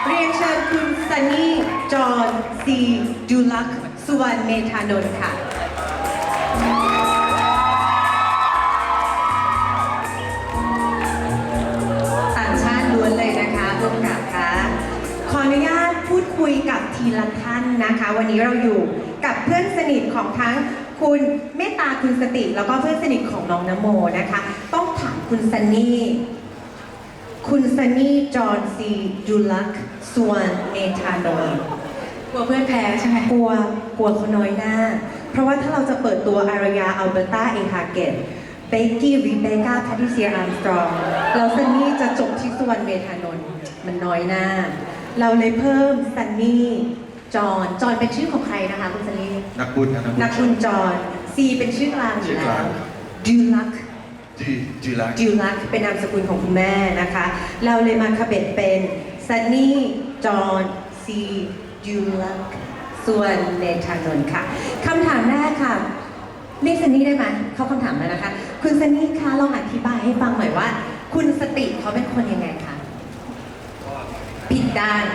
เรียนเชิญคุณซันนี่จอห์นซีดูลักษ์สุวรรณเมธานนท์ค่ะต่างชาติล้วนเลยนะคะร่วมกับค่ะขออนุญาตพูดคุยกับทีละท่านนะคะ วันนี้เราอยู่กับเพื่อนสนิทของทั้งคุณเมตตาคุณสติแล้วก็เพื่อนสนิทของน้องนโมนะคะต้องถามคุณซันนี่จอห์นซีดูลักษ์สุวรรณเมธานนท์กลัวเพื่อนแพ้ใช่ไหมกลัวเขาน้อยหน้าเพราะว่าถ้าเราจะเปิดตัวอารยาอัลเบอร์ตาเอฮาเกตเบกกี้รีเบคก้าแพทริเซียอาร์มสตรองแล้วซันนี่จะจบที่สุวรรณเมธานนท์มันน้อยหน้าเราเลยเพิ่มซันนี่จอห์นเป็นชื่อของใครนะคะคุณซันนี่นักบุญครับนักบุญจอห์นซีเป็นชื่อกลางอยู่แล้วดูลักษ์เป็นนามสกุลของคุณแม่นะคะเราเลยมาขบเบ็ดเป็นซันนี่จอห์นซีดูลักษ์ส่วนเมธานนท์ค่ะคำถามแรกค่ะเรียกซันนี่ได้ไหมเข้าคำถามแล้วนะคะคุณซันนี่คะลองอธิบายให้ฟังหน่อยว่าคุณสติเขาเป็นคนยังไงคะผิดด้าน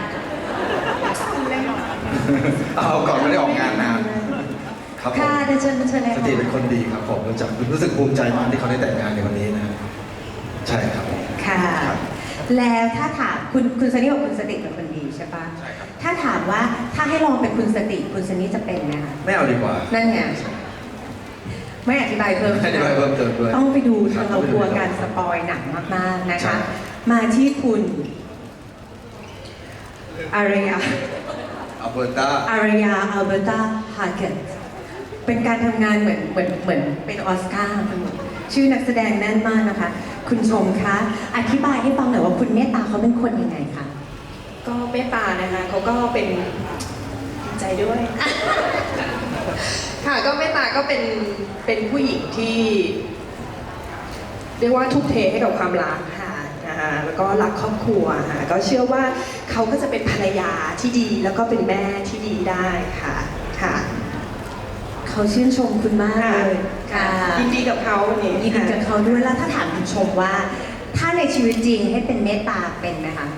เอาก่อนไม่ได้ออกงานนานครับผมค่ะเดี๋ยวเชิญเลยสติเป็นคนดีครับผมรู้สึกภูมิใจมากที่เขาได้แต่งงานในวันนี้นะใช่ครับค่ะ แล้วถ้าถามคุณซันนี่บอกคุณสติเป็นคนดีใช่ปะใช่ครับถ้าถามว่าถ้าให้ลองเป็นคุณสติคุณซันนี่จะเป็นไหมคะไม่เอาดีกว่านั่นไงไม่อธิบายเพิ่มไม่อธิบายเพิ่มเติมด้วยต้องไปดูทางเรากลัวการสปอยหนังมากๆนะคะมาที่คุณอารยาอัลเบอร์ตาฮาเกตเป็นการทำงานเหมือนเป็นออสการ์ชื่อนักแสดงแน่นมากนะคะคุณชมคะอธิบายให้ฟังหน่อยว่าคุณเมตตาเขาเป็นคนยังไงคะก็เมตตานะคะเขาก็เป็นใจด้วย ค่ะก็เมตตาก็เป็นผู้หญิงที่เรียกว่าทุ่มเทให้กับความรักค่ะนะคะแล้วก็รักครอบครัวค่ะก็เชื่อว่าเขาก็จะเป็นภรรยาที่ดีแล้วก็เป็นแม่ที่ดีได้ค่ะค่ะเขาชื่นชมคุณมากเลยค่ะยินดีกับเขาเนี่ยยินดีกับเขาด้วยแล้วถ้าถามคุณชมว่าถ้าในชีวิตจริงให้เป็นเมตตาเป็นไหมคะ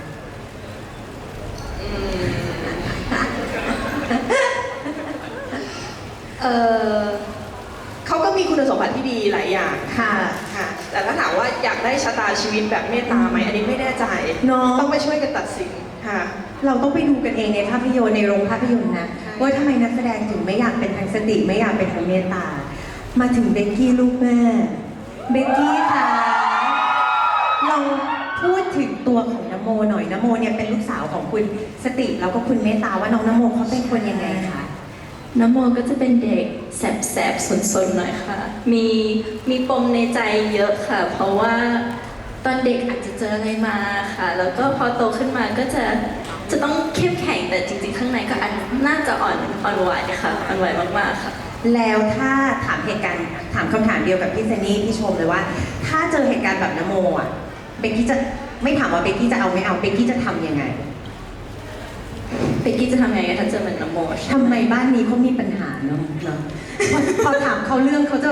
เขาก็มีคุณสมบัติที่ดีหลายอย่างค่ะค่ะแต่ถ้าถามว่าอยากได้ชะตาชีวิตแบบเมตตาไหมอันนี้ไม่แน่ใจต้องไปช่วยกันตัดสินค่ะเราต้องไปดูกันเองในภาพยนตร์ในโรงภาพยนตร์นะว่าทำไมนักแสดงถึงไม่อยากเป็นทางสติไม่อยากเป็นทางเมตตามาถึงเบกกี้ลูกแม่เบกกี้ค่ะเราพูดถึงตัวของนโมหน่อยนโมเนี่ยเป็นลูกสาวของคุณสติแล้วก็คุณเมตตาว่าน้องนโมเขาเป็นคนยังไงคะนโมก็จะเป็นเด็กแสบๆสนๆหน่อยค่ะมีปมในใจเยอะค่ะเพราะว่าตอนเด็กอาจจะเจออะไรมาค่ะแล้วก็พอโตขึ้นมาก็จะต้องเข้มแข็งแต่จริงๆข้างในก็น่าจะอ่อนไหวค่ะอ่อนไหวมากๆค่ะแล้วถ้าถามคำถามเดียวกับพี่ซันนี่พี่ชมเลยว่าถ้าเจอเหตุการณ์แบบนโมอ่ะเบกกี้จะไม่ถามว่าเบกกี้จะเอาไม่เอาเบกกี้จะทำยังไงเบกกี้จะทำยังไงถ้าเจอเหมือนนโมทำไมบ้านนี้เขามีปัญหาเนาะพอถามเขาเรื่องเขาจะ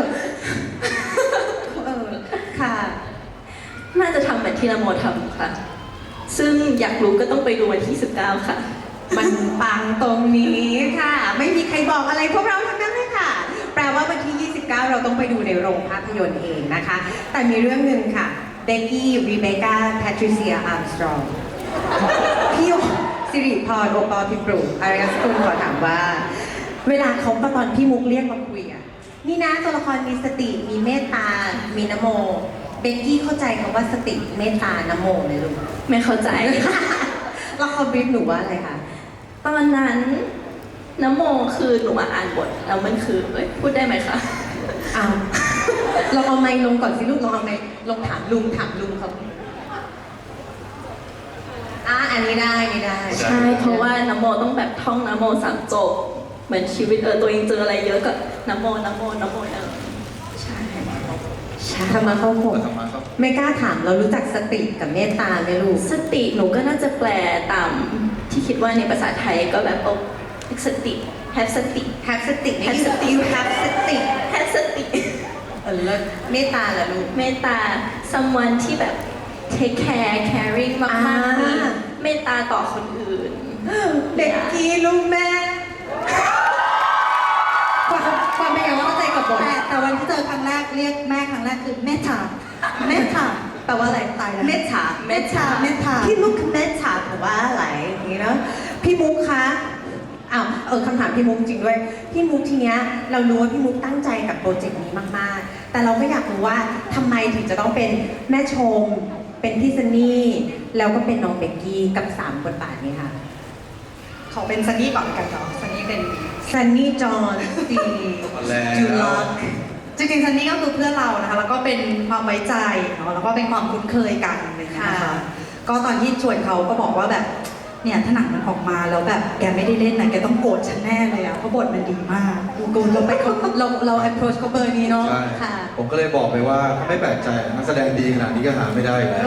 ค่ะน่าจะทำแบบที่นโมทำค่ะซึ่งอยากรู้ก็ต้องไปดูวันที่19ค่ะมันปังตรงนี้ค่ะไม่มีใครบอกอะไรพวกเราทั้งนั้นเลยค่ะแปลว่าวันที่29เราต้องไปดูในโรงภาพยนตร์เองนะคะแต่มีเรื่องหนึ่งค่ะเบกกี้รีเบคก้าแพทริเซียอาร์มสตรองพี่สิริพรโอปอล์พิปรุอารยสกุลขอถามว่าเวลาเขาตอนพี่มุกเรียกมาคุยอ่ะนี่นะตัวละครมีสติมีเมตตามีนโมเบกกี้เข้าใจคำว่าสติเมตตานโมเลยลูกไม่เข้าใจแล้วเขาบรีฟหนูว่าอะไรคะตอนนั้นนโมคือหนูมาอ่านบทแล้วมันคือพูดได้ไหมคะอ้าวเราเอาไมค์ลงก่อนสิลูกลองเอาไมค์ลงถามลุงเขาอันนี้ได้ใช่เพราะว่านโมต้องแบบท่องนโม3 จบเหมือนชีวิตตัวเองเจออะไรเยอะก็นโมใช่ธรรมะเข้าหกไม่กล้าถามเรารู้จักสติกับเมตตาไหมลูกสติหนูก็น่าจะแปลตามที่คิดว่าในภาษาไทยก็แบบสติ have สติ have สติไม่ใช่ you have สติ have สติแล้วเมตตาล่ะลูกเมตตา someone ที่แบบ take care caring มากๆเมตตาต่อคนอื่นเด็กกี้ลูกแม่ความเป็นอย่างว่าเข้าใจกับบทแต่วันที่เจอครั้งแรกเรียกแม่ครั้งแรกคือแม่ถามแม่ถามแปลว่าอะไรตายแล้วเมตตาเมตตาเมตตาพี่มุกเมตตาถือว่าอะไรอย่างนี้เนาะพี่มุกคะอ้าวคำถามพี่มุกจริงด้วยพี่มุกทีเนี้ยเรารู้ว่าพี่มุกตั้งใจกับโปรเจกต์นี้มากๆ แต่เราก็อยากรู้ว่าทำไมถึงจะต้องเป็นแม่ชม เป็นพี่ซันนี่แล้วก็เป็นน้องเบกกี้กับ3บทบาทนี้ค่ะขอเป็นซันนี่ก่อนกันเนาะซันนี่เป็นซันนี่จอห์นสตีมาแล้วจูล็อกจริงๆซันนี่ก็คือเพื่อนเรานะคะแล้วก็เป็นความไว้ใจเนาะแล้วก็เป็นความคุ้นเคยกันอะไรอย่างเงี้ยนะคะก็ตอนที่ชวนเขาก็บอกว่าแบบเนี่ยถ้าหนังมันออกมาแล้วแบบแกไม่ได้เล่นนะแกต้องโกรธฉันแน่เลยอะเพราะบทมันดีมากกูเราไปเรา approach เขาเบอร์นี้เนาะใช่ค่ะผมก็เลยบอกไปว่าถ้าไม่แปลกใจนักแสดงดีขนาดนี้ก็หาไม่ได้อยู่แล้ว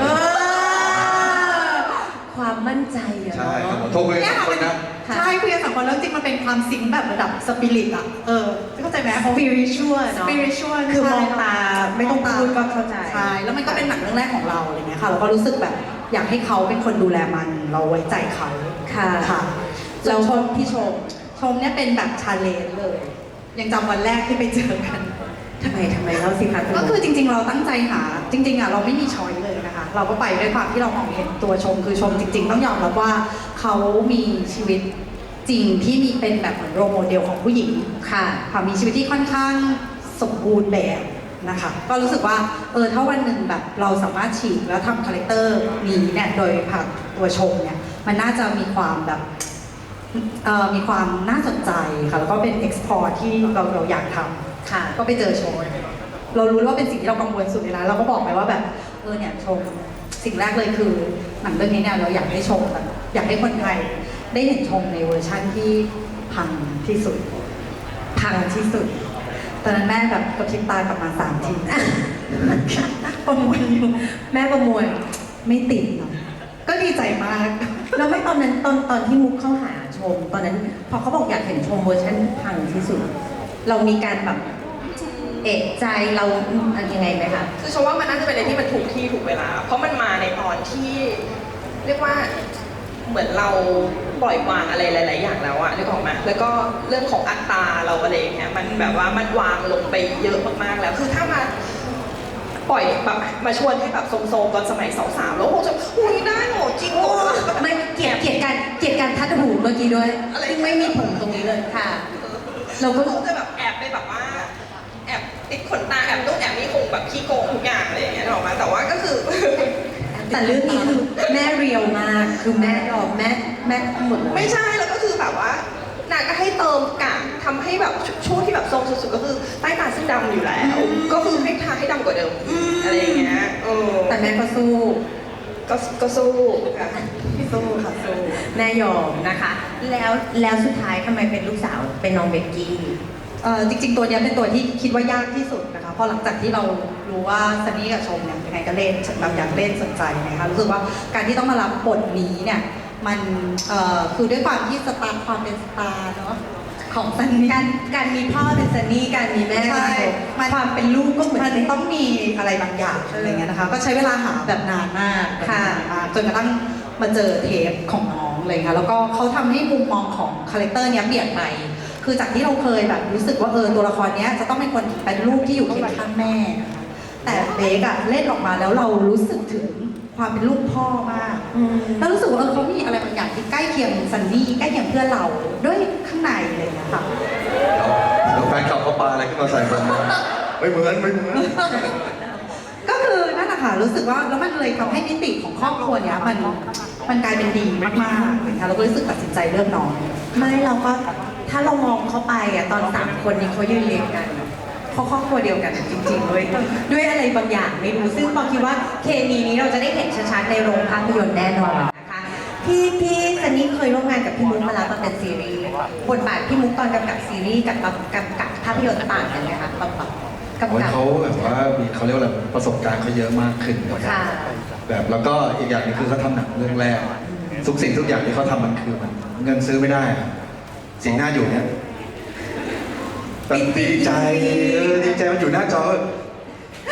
ความมั่นใจอะใช่เนาะครับผมโทรคุยกันสองคนนะใช่คุยกันสองคนแล้วจริงมันเป็นความซิงค์แบบระดับสปิริตอะเข้าใจไหม spiritual เนาะ spiritual คือมองใช่ตาไม่ต้องพูดก็เข้าใจใช่แล้วมันก็เป็นหนังเรื่องแรกของเราอะไรเงี้ยค่ะเราก็รู้สึกแบบอยากให้เขาเป็นคนดูแลมันเราไว้ใจเขาค่ะค่ะแล้วชมพี่ชมเนี่ยเป็นแบบชาเลนจ์เลย ยังจำวันแรกที่ไปเจอกันทำไมเล่าสิคะณก็คือจริง ๆ เราตั้งใจหาจริง ๆอ่ะเราไม่มีช้อยเลยนะคะ เราก็ไปด้วยความที่เรามองเห็นตัวชมคือชมจริง ๆ ต้องยอมรับว่าเขามีชีวิตจริงที่มีเป็นแบบเหมือนโรลโมเดลของผู้หญิงค่ะค่ะมีชีวิตที่ค่อนข้างสมบูรณ์แบบนะคะ ก็รู้สึกว่าถ้าวันหนึ่งแบบเราสามารถฉีกแล้วทำคาแรคเตอร์นี้เนี่ยโดยผ่านตัวชมเนี่ยมันน่าจะมีความแบบมีความน่าสนใจค่ะแล้วก็เป็น export ที่เราอยากทำค่ะก็ไปเจอโชว์เรารู้ว่าเป็นสิ่งที่เรากังวลสุดเลยนะเราก็บอกไปว่าแบบเนี่ยชมสิ่งแรกเลยคือหนังเรื่องนี้เนี่ยเราอยากให้ชมแบบอยากให้คนไทยได้เห็นชมในเวอร์ชั่นที่พังที่สุดพังที่สุดตอนนั้นแม่แบบกระพริบตากลับมา3 ทีประมวลอยู่แม่ประมวลไม่ติดเนาะก็ดีใจมากแล้วไม่ตอนนั้นตอนที่มุกเข้าหาชม ตอนนั้นพอเขาบอกอยากเห็นชมเวอร์ชันพังที่สุด เรามีการแบบเอะใจเราอะไรยังไงไหมคะคือชมว่ามันน่าจะเป็นอะไรที่มันถูกที่ถูกเวลา เพราะมันมาในตอนที่เรียกว่าเหมือนเราปล่อยวางอะไรหลาย ๆ อย่างแล้วอะนึกออกไหมแล้วก็เรื่องของอัตราเราอะไรอย่างเงี้ยมันแบบว่ามันวางลงไปเยอะมากๆแล้ว คือถ้ามาปล่อยแบบมาชวนให้แบบโซมๆตอนสมัยสาวๆแล้วคงจะอุ้ยได้เหรอจริงเหรอไม่เกลียดการทัดหูเมื่อกี้ด้วยอะไรซึ่งไม่มีผมตรงนี้เลยค่ะเราก็คงจะแบบแอบไปแบบว่าแอบติดขนตาแอบนู่นแอบนี่คงแบบขี้โกงทุกอย่างอะไรอย่างเงี้ยนึกออกไหมแต่ว่าก็คือแต่เรื่องนี้คือแม่เรียวมากคือแม่ยอมแม่หมดเลยไม่ใช่แล้วก็คือแบบว่านางก็ให้เติมกากทำให้แบบช่วงที่แบบทรงสุดๆก็คือใต้ตาซึ่งดำอยู่แล้ว ก็คือให้ทาให้ดำกว่าเดิมอะไรอย่างเงี้ยแต่แม่ก็สู้ก็สู้ค่ะสู้ค่ะสู้แม่ยอมนะคะ แล้วสุดท้ายทำไมเป็นลูกสาวเป็นน้องเบกกี้จริงๆตัวเนี้ยเป็นตัวที่คิดว่ายากที่สุดนะคะเพราะหลังจากที่เรารู้ว่าซันนี่กับชมเนี่ยยังไงก็เล่นแบบอยากเล่นสนใจนะคะรู้สึกว่าการที่ต้องมารับบทนี้เนี่ยมันคือด้วยความที่สตาร์ความเป็นสตาร์เนาะของซันนี่การมีพ่อเป็นซันนี่การมีแม่ใช่เป็นความเป็นลูกก็เหมือนมันต้องมีอะไรบางอย่างอะไรเงี้ยนะคะ ก็ใช้เวลาหาแบบนานมากค่ะจนกระทั่งมาเจอเทปของน้องเลยค่ะแล้วก็เขาทำให้มุมมองของคาแรคเตอร์เนี้ยเปลี่ยนไป คือจากที่เราเคยแบบรู้สึกว่าตัวละครเนี้ยจะต้องเป็นคนเป็นลูกที่อยู่เคียงข้างแม่นะคะแต่เบคอะเล่นออกมาแล้วเรารู้สึกถึงความเป็นลูกพ่อมาก แล้วรู้สึกว่าเขามีอะไรบางอย่างที่ใกล้เคียงซันนี่ใกล้เคียงเพื่อนเราด้วยข้างในอะไรอย่างเงี้ยค่ะแล้วแฟนคลับเขาปาอะไรขึ้นมาใส่ผมไม่เหมือนก็คือนั่นแหละค่ะรู้สึกว่าแล้วมันเลยทำให้มิติของครอบครัวเนี้ยมันกลายเป็นดีมากๆเลยค่ะเราก็รู้สึกตัดสินใจเลือกน้องไม่เราก็ถ้าเรามองเข้าไปอะตอน3คนนี้เขายืนเรียงกันเขาครอบครัวเดียวกันจริงๆด้วยอะไรบางอย่างไม่รู้ซึ่งปอคิดว่าเคมีนี้เราจะได้เห็นชัดๆในโรงภาพยนตร์แน่นอนนะคะพี่ซันนี่เคยร่วมงานกับพี่มุกมาแล้วตอนเป็นซีรีส์บทบาทพี่มุกตอนกำกับซีรีส์กับกำกับภาพยนตร์ต่างกันไหมคะตอนกำกับเขาแบบว่ามีเขาเรียกว่าอะไรประสบการณ์เขาเยอะมากขึ้นนะครับค่ะแบบแล้วก็อีกอย่างหนึงคือเขาทำหนังเรื่องแรกทุกสิ่งทุกอย่างที่เขาทำมันคือมันเงินซื้อไม่ได้อะสิ่งหน้าอยู่เนี่ยแบบดีใจดีใจมันอยู่หน้าจอดี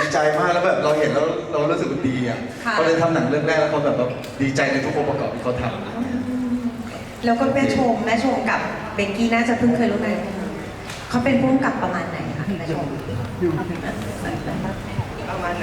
ใจมากแล้วแบบเราเห็นแล้วเรารู้สึกดีอ่ะค่ะเขาเลยทำหนังเรื่องแรกแล้วเขาแบบว่าดีใจในทุกองค์ประกอบที่เขาทำแล้วก็แม่ชมกับเบกกี้น่าจะเพิ่งเคยรู้จักกันเขาเป็นผู้กำกับประมาณไหนคะแม่ชมประมาณไหน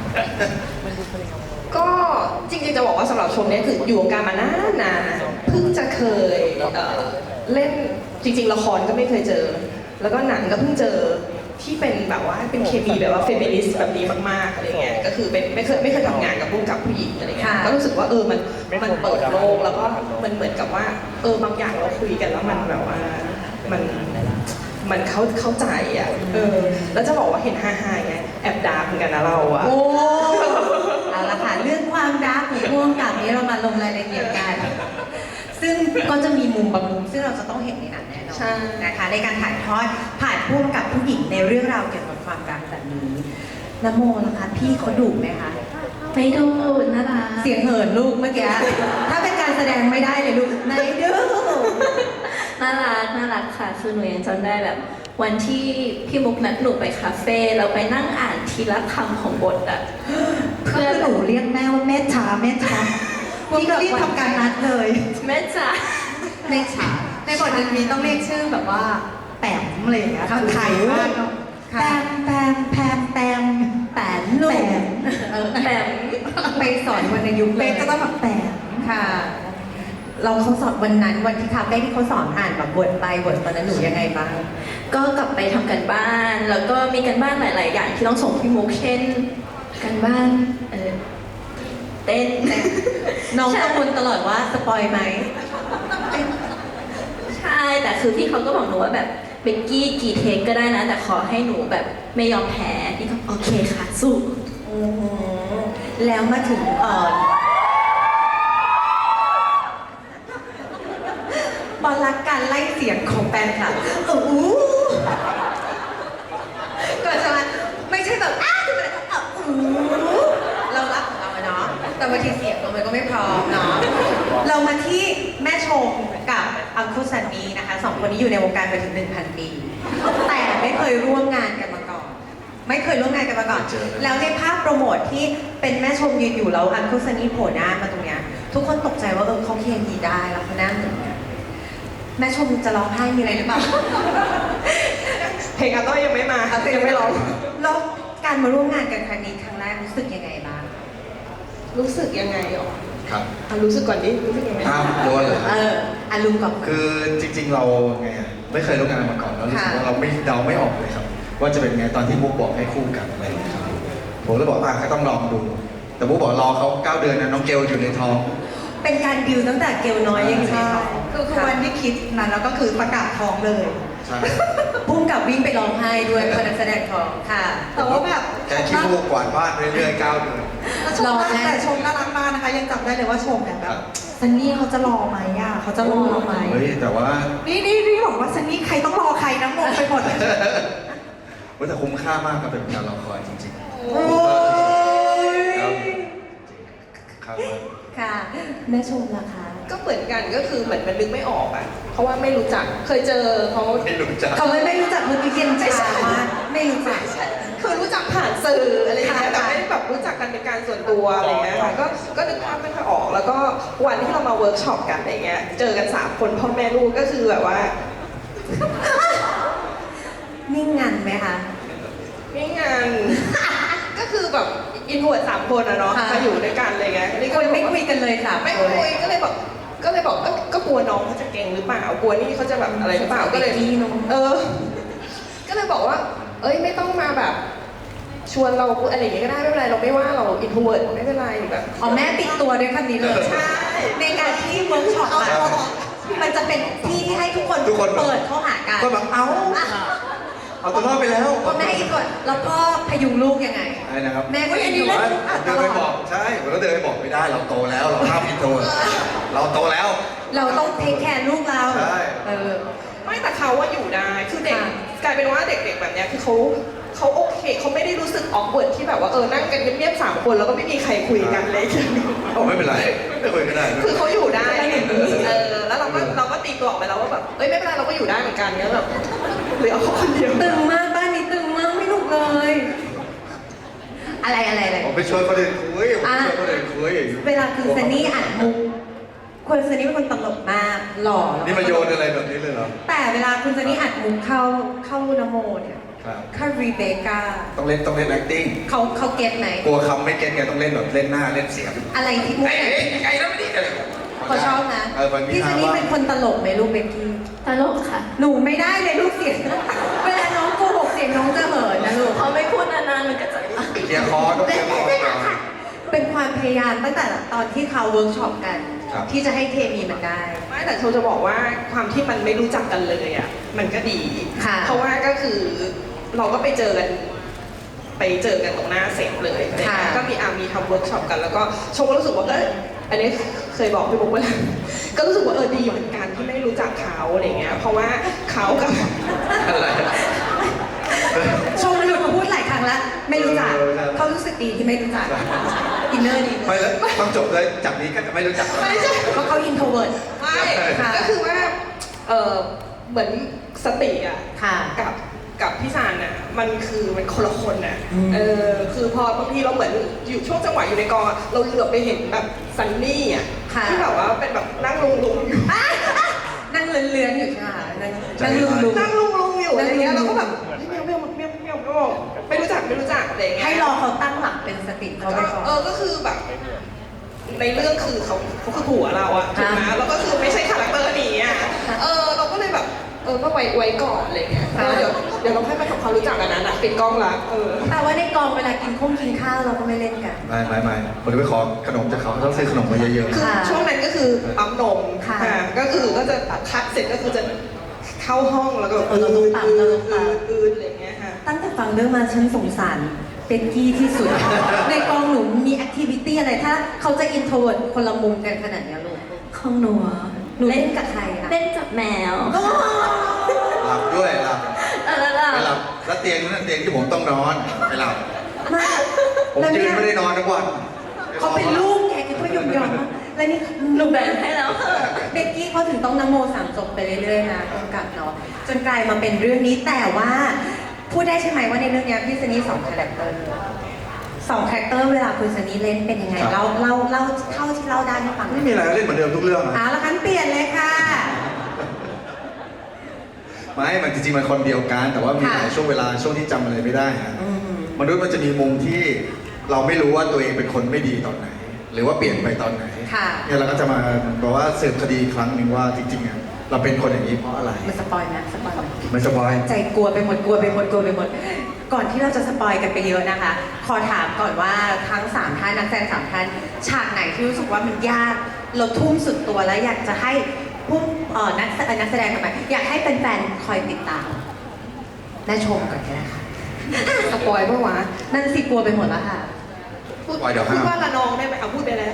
ก็จริงๆจะบอกว่าสำหรับชมเนี่ยคืออยู่วงการมานานๆเพิ่งจะเคยเล่นจริงๆละครก็ไม่เคยเจอ แล้วก็หนังก็เพิ่งเจอที่เป็นแบบว่าเป็นเคมีแบบว่าเฟมินิสต์แบบนี้มากๆอะไรเงี้ยก็คือเป็นไม่เคยทำงานกับผู้กำกับผู้หญิงอะไรเงี้ยก็รู้สึกว่ามันเปิดโลกแล้วก็มันเหมือนกับว่าบางอย่างเราคุยกันแล้วมันแบบว่ามันเข้าใจอ่ะแล้วจะบอกว่าเห็นฮ่าๆไงแอบดาร์กเหมือนกันนะเราอ่ะโอ้เอาละค่ะเรื่องความรักของผู้กำกับนี้เรามาลงรายละเอียดกัน ซึ่งก็จะมีมุมบางมุมซึ่งเราจะต้องเห็นในหนังแน่นอนใช่นะคะในการถ่ายทอดผ่านผู้กำกับผู้หญิงในเรื่องราวเกี่ยวกับความรักแบบนี้น้ำโมนะคะพี่เขาดุไหมคะไม่ดูน่ารักเสียงเหินลูกเมื่อกี้ ถ้าเป็นการแสดงไม่ได้เลยลูกไหนดูน่ารักค่ะ คือหนูยังจำได้แบบ วันที่พี่มุกนัดหนูไปคาเฟ่เราไปนั่งอ่านทีละคำของบทอะเพื่อนหนูเรียกแม่ว่าแม่ช้าแม่ช้าพี่ก็รีบทำการนัดเลยแม่จ๋าแม่ช้าในบทมันมีต้องเรียกชื่อแบบว่าแปมอะไรอย่างเงี้ยค่ะไทยมากเนาะแปมแปมแปมแปมแปนลูกแบบไปสอนวันในยุคเลเป๊ยกก็ต้องแบบแปมค่ะ เราเขาสอนวันนั้นวันที่คาเฟ่ที่เขาสอนอ่านแบบบทไปบทตอนนั้นหนูยังไงบ้างก็กลับไปทำกันบ้าน แล้วก็มีกันบ้านหลาย ๆ อย่างที่ต้องส่งพี่มุกเช่นกันบ้านเต้นน้องกังวลตลอดว่าสปอยไหมใช่ แต่คือพี่เขาก็บอกหนูว่าแบบเบกกี้กี่เทคก็ได้นะ แต่ขอให้หนูแบบไม่ยอมแพ้พี่ก็โอเคค่ะ สู้โอ้โหแล้วมาถึงบอลรักการไล่เสียงของแฟนคลับก่อนจะมาไม่ใช่แบบจะเป็นเรารักของเราอะเนาะแต่บางทีเสียงเรามันก็ไม่พร้อมเนาะเรามาที่แม่ชมกับอังคุสันนีนะคะสองคนนี้อยู่ในวงการมาถึง 1,000 ปี แต่ไม่เคยร่วมงานกันมาก่อน ไม่เคยร่วมงานกันมาก่อน แล้วในภาพโปรโมทที่เป็นแม่ชมยืนอยู่แล้วอังคุสันนีโผล่หน้ามาตรงเนี้ยทุกคนตกใจว่าเขาเคมีได้แล้วเขาหน้าเหมือนกันแม่ชมจะร้องไห้มีอะไรหรือเปล่าเพลงอาต้อยยังไม่มาค่ะยังไม่ร้องแล้วการมาร่วมงานกันครั้งนี้ครั้งแรกรู้สึกยังไงบ้างรู้สึกยังไงหรอครับรู้สึกก่อนดิรู้สึกยังไงอ้าวโดนเลยอารมณ์กับคือจริงๆเราไงอะไม่เคยร่วมงานมาก่อนแล้วรู้สึกว่าเราไม่เดาไม่ออกเลยครับ ว่าจะเป็นไงตอนที่มุกบอกให้คู่กันอะไรอย่างเงี้ยครับผมเลยบอกก็ต้องลองดู แต่มุกบอกรอเขา9 เดือนนะน้องเกลอยู่ในท้องเป็นการดิวตั้งแต่เกลน้อยยังอยู่ในใช่ท้องคือวันที่คิดนั้นแล้วก็คือประกาศท้องเลยใช่พุ่งกับวิ่งไปร้องไห้ด้วยเพราะนักแสดงท้องค่ะแต่ว่าแบบแค่ขี้มูกกวาดบ้านเรื่อยๆ9 เดือนชมแต่ชมน่ารักมากนะคะ ยังจำได้เลยว่าชมเนี่ยแบครับ บซันนี่เขาจะรอไหมอ่ะเขาจะรอเราไหมเฮ้ยแต่ว่านี่บอกว่าซันนี่ใครต้องรอใครนะงงไปหมดเลยแต่คุ้มค่ามากกับเป็นการรอคอยจริงๆโอ้ยครับค่ะแม่ชมล่ะคะก็เหมือนกันก็คือเหมือนมันนึกไม่ออกอ่ะเพราะว่าไม่รู้จักเคยเจอเขาไม่รู้จักเขาไม่รู้จักเมื่อกี้เย็นชามากไม่รู้จักคือรู้จักผ่านสื่ออะไรอย่างเงี้ยค่ะแต่ไม่ได้แบบรู้จักกันเป็นการส่วนตัวอะไรเงี้ยค่ะก็นึกภาพไม่ค่อยออก แล้วก็วันที่เรามาเวิร์กช็อปกันอะไรเงี้ยเจอกัน3 คนพ่อแม่ลูกก็คือแบบว่านิ่งงันไหมคะไม่งาน ก็คือแบบอินโทรเวิร์ด3 คนอะเนาะค่ะมาอยู่ด้วยกันอะไรเงี้ยนี่คก็นไม่คุยกันเลยค่ะไม่คุยก็เลยบอกก็กลัวน้องเขาจะเก่งหรือเปล่ากลัวนี่เขาจะแบบอะไรหรือเปล่าก็เลยพี่น้องก็เลยบอกว่า เอ้ยไม่ต้องมาแบบ ชวนเราอะไรอย่างเงี้ยก็ได้ไม่เป็นไรเราไม่ว่าเราอินโทรเวิร์ดไม่เป็นไรแบบอ๋อแม่ปิดตัวด้วยคำนี้เลยใช่ในการที่เวิร์กช็อปอะมันจะเป็นที่ที่ให้ทุกคนทุกคนเปิดเข้าหากันก็แบบเอาตัวรอดไปแล้วพ่อแม่อีกก่อนแล้วพ่อพยุงลูกยังไงใช่นะครับแม่ก็อันนี้อยู่เล่นเดินไปบอกใช่ผมก็เดินไปบอกไม่ได้เราโตแล้วเราห้ามผิดตัวเราโตแล้วเราต้องเทคแคร์ลูกเราใช่ไม่แต่เขาว่าอยู่ได้คือเด็กค่ะกลายเป็นว่าเด็กๆแบบเนี้ยคือเขาโอเคเขาไม่ได้รู้สึกออกเวิร์ดที่แบบว่านั่งกันเงียบๆ3 คนแล้วก็ไม่มีใครคุยกันเลยเอาไม่เป็นไรไม่คุยก็ได้คือเขาอยู่ได้แล้วเราก็ตีตัวออกไปแล้วว่าแบบเอ้ยไม่เป็นไรเราก็อยู่ได้เหมือนกันเงี้ยแบบเหลือเขาคนเดียวตึงมากบ้านนี้ตึงมากไม่หนุกเลยอะไรผมไปชวนคนอื่นคุยผมไปชวนคนอื่นคุยเวลาคุณซันนี่อัดมุกคุณซันนี่เป็นคนตลกมากหล่อนี่มาโยนอะไรแบบนี้เลยเหรอแต่เวลาคุณซันนี่อัดมุกเข้านโมเนี่ยครับเข้ารีเบคก้าต้องเล่น acting เขาเก็ตไหมกลัวคำไม่เก็ตไงต้องเล่นแบบเล่นหน้าเล่นเสียงอะไรที่มุกไอ้ไหนไอ้แล้วไม่ดีเลยเขาชอบนะบางทีพี่ซันนี่เป็นคนตลกไหมลูกเบกกี้ตลกค่ะหนูไม่ได้เลยลูกเสียง เวลาน้องโกหกเสียงน้องจะเหินนะลูกพอไม่พูดนานๆมันก็จะเคลียร์คอต้องเคลียร์คอก่อนเป็นความพยายามตั้งแต่ตอนที่เขาเวิร์กช็อปกันครับที่จะให้เคมีมันได้ไม่แต่โชจะบอกว่าความที่มันไม่รู้จักกันเลยอ่ะมันก็ดีค่ะเพราะว่าก็คือเราก็ไปเจอกันตรงหน้าเสร็จเลยอะไรเงี้ยก็มีทำเวิร์กช็อปกันแล้วก็โชก็รู้สึกว่าอันนี้เคยบอกพี่บุ๊กไปแล้วก็รู้สึกว่าดีเหมือนกันที่ไม่รู้จักเขาอะไรเงี้ยเพราะว่าเขากับอะไรชมหลุดมาพูดหลายครั้งแล้ว ไม่รู้จัก เขารู้สึกดีที่ไม่รู้จัก อินเนอร์ดีไม่แล้วต้องจบเลยจากนี้ก็จะไม่รู้จักไม่ใช่เพราะเขาอินโทรเวิร์ดไม่ค่ะก็คือว่าเหมือนสติอ่ะค่ะกับพี่ซานน่ะมันคนละคนน่ะอืมคือพอบางทีเราเหมือนอยู่ช่วงจังหวะอยู่ในกองอะเราเหลือบไปเห็นแบบซันนี่อ่ะค่ะที่แบบว่าเป็นแบบนั่งลุงอยู่นั่งเลื้อนๆอยู่ใช่ไหมคะนั่งลุงนั่งลุงอยู่อะไรเงี้ยนั่เรางลุงก็แบบเมียวไม่รู้จักอะไรเงี้ยให้รอเขาตั้งหลักเป็นสติเขาไปก่อนก็คือแบบ ในเรื่องคือเขาคือผัวเราอะถูกไหมแล้วก็คือไม่ใช่คาแรคเตอร์นี้อะเราก็เลยแบบก็ไว้ก่อนอะไรเงี้ยเดี๋ยวเราค่อยมาทำความรู้จักกันนั้นอะปิดกล้องละแต่ว่าในกองเวลากินข้าวเราก็ไม่เล่นกันไม่ผมจะไปขอขนมจากเขาต้องซื้อขนมมาเยอะคือค่ะช่วงนั้นก็คือปั๊มนมค่ะก็คือก็จะคัดเสร็จก็คือจะเข้าห้องแล้วก็เราต้องปั๊มเราต้องปั๊มอืดอะไรเงี้ยค่ะตั้งแต่ฟังเรื่องมาฉันสงสารเป็กกี้ที่สุด ในกองหนูมีแอคทิวิตี้อะไรถ้าเขาจะอินโทรเวิร์ดคนละมุมกันขนาดเนี้ยลูกของหนูอะหนูเล่นกับใครอะเล่นกับแมวๆหลับด้วยหลับแล้วไปหลับแล้วเตียงนั้นเตียงที่ผมต้องนอนไปหลับมาผมแล้วยืเนี่นยไม่ได้นอนทั้งวันเขาเป็นลูกแกก็ยอมมากแล้วนี่หนูแบ่งให้แล้วค่ะเบกกี้เขาถึงต้องนโมสามจบไปเรื่อยๆนะกำกับเนาะจนกลายมาเป็นเรื่องนี้แต่ว่าพูดได้ใช่ไหมว่าในเรื่องเนี้ยพี่ซันนี่2 คาแรคเตอร์2 คาแรคเตอร์เวลาคุณซันนี่เล่นเป็นยังไงเล่าเท่าที่เล่าได้ให้ฟังหน่ไม่อยมีอะไรเล่นเหมือนเดิมทุกเรื่องเอาละคันเปลี่ยนเลยค่ะไม่มันจริงๆมันคนเดียวกัน แต่ว่ามีหลายช่วงเวลาช่วงที่จำอะไรไม่ได้ฮะอืมมนุษย์มันจะมีมุมที่เราไม่รู้ว่าตัวเองเป็นคนไม่ดีตอนไหน หรือว่าเปลี่ยนไปตอนไหนค่ะเนี่ยเราก็จะมาบอกว่าสืบคดีอีกครั้งหนึ่งว่าจริงๆอ่ะเราเป็นคนอย่างนี้เพราะอะไรมันสปอยนะสปอยไหมไม่สบายใจกลัวไปหมดกลัวไปหมดกลัวไปหมด ก่อนที่เราจะสปอยกันไปเยอะนะคะ ขอถามก่อนว่าทั้ง3 ท่านนักแสดง3 ท่านฉากไหนที่รู้สึกว่ามันยากเราทุ่มสุดตัวแล้วอยากจะให้ผู้นักแสดงทำไมอยากให้แฟนๆคอยติดตามและชมก่อนก็ได้ค่ะสปอยปะวะนั่นสิกลัวไปหมดแล้วค่ะพูดปล่อยเดี๋ยวห้ามพูดว่าละนองได้ไหมเอาพูดไปแล้ว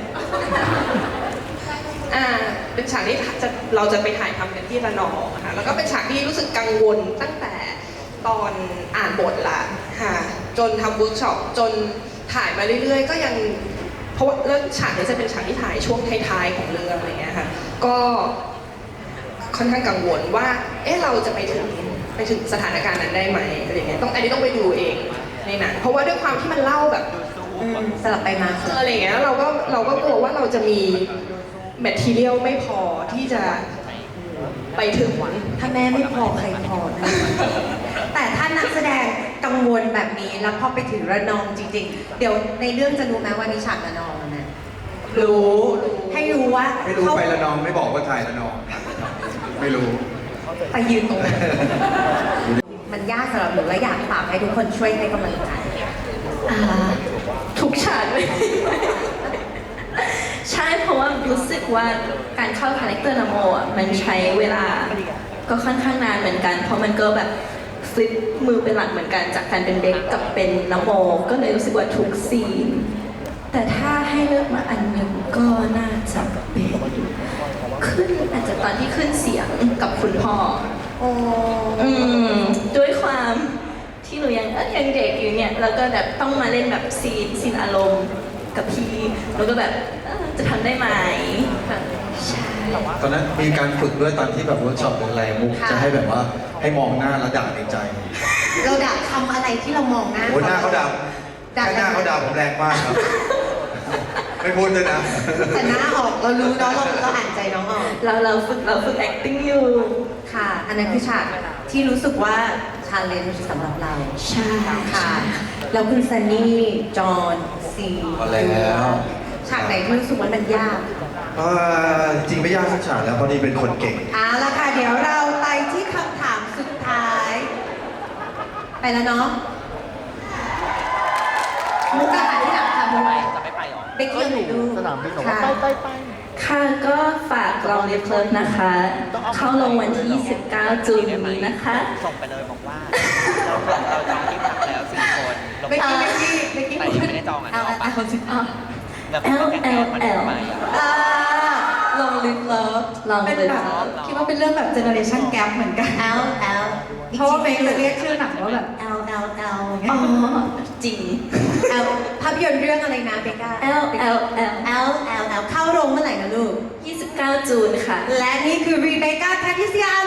เป็นฉากที่เราจะไปถ่ายทำกันที่ระนองค่ะ แล้วก็เป็นฉากที่รู้สึกกังวลตั้งแต่ตอนอ่านบทละค่ะ จนทำเวิร์กช็อปจนถ่ายมาเรื่อยๆ ก็ยัง เพราะว่าแล้วฉากนี้จะเป็นฉากที่ถ่ายช่วงท้ายๆของเรื่องอะไรเงี้ยค่ะ ก็ค่อนข้างกังวลว่า เราจะไปถึงสถานการณ์นั้นได้ไหมอะไรเงี้ยอันนี้ต้องไปดูเองในหนังเพราะว่าด้วยความที่มันเล่าแบบสลับไปมาอะไรอย่างเงี้ยแล้วเราก็กลัวว่าเราจะมีแมททีเรียลไม่พอที่จะไปถึงถ้าแม่ไม่พอใครพอนะ แต่ถ้านักแสดงกังวลแบบนี้แล้วพอไปถึงระนองจริงๆ เดี๋ยวในเรื่องจะรู้ไหมว่ามีฉากระนองนะรู้ให้รู้ว่าไม่รู้เขาไปละนองไม่บอกว่าถ่ายละนอง ไม่รู้ไปยืนตรงนั้น มันยากสำหรับหนูและอยากฝากให้ทุกคนช่วยให้กำลังใจทุกฉากเลย ใช่เพราะว่ารู้สึกว่าการเข้าคาแรคเตอร์นโมอ่ะมันใช้เวลาก็ค่อนข้างนานเหมือนกัน เพราะมันก็แบบฟลิปมือเป็นหลักเหมือนกันจากการเป็นเด็กกับเป็นนโมก็เลยรู้สึกว่าทุกซีน แต่ถ้าให้เลือกมาอันหนึ่งก็น่าจะเป็นขึ้นอาจจะตอนที่ขึ้นเสียงกับคุณพ่อ ด้วยความที่หนูยังเด็กอยู่เนี่ยแล้วก็แบบต้องมาเล่นแบบซีนอารมณ์กับพี่แล้วก็แบบจะทำได้ไหมใช่ตอนนั้นมีการฝึกด้วยตอนที่แบบเวิร์กช็อปหรืออะไรมุกค่ะจะให้แบบว่าให้มองหน้าแล้วด่าในใจเราด่าทำอะไรที่เรามองหน้าโอ้ยหน้าเขาดด่าแค่หน้าเขาด่าผมแรงมากครับ ไม่พูดด้วยนะแต่หน้าออกเรารู้เนาะเราอ่านใจน้องออกเราฝึก acting อยู่ค่ะ อันนั้นคือฉากที่รู้สึกว่าชาเลนจ์สำหรับเราใช่ค่ะแล้วคุณซันนี่จอห์นซีพอแล้วฉากไหนที่รู้สึกว่ามันยากจริงไม่ยากสักฉากแล้วเพราะนี่เป็นคนเก่งเอาละค่ะ เดี๋ยวเราไปที่คำถามสุดท้าย ไปแล้วเนาะมุกอาหารที่หลังค่ะมุกจะไม่ไปหรอเบกกี้อยู่ดูสนามบินบอกว่าไปค่ะก็ฝากลองเรียบเลิฟนะคะ เข้าลงวันที่ 29 จูนนี้นะคะส่งไปเลยบอกว่า เราจองที่พักแล้ว4 คนเบกกี้เบกกี้แต่ยังไม่ได้จองอ่ะเอาเอาปะคนสิแล้วก็แกล้งมันทำไมอ่ะลองลิฟเลิฟ Long เป็น Live แบบ Love คิดว่าเป็นเรื่องแบบเจเนอเรชันแกปเหมือนกัน L L เพราะว่าเบคจะเรียกชื่อหนังว่าแบบ L L L อ๋อ จริง L ภาพยนตร์เรื่องอะไรนะเบกก้า L L L L L L เข้าโรงเมื่อไหร่นะลูก 29 จูนค่ะและนี่คือรีเบคก้าแพทริเซีย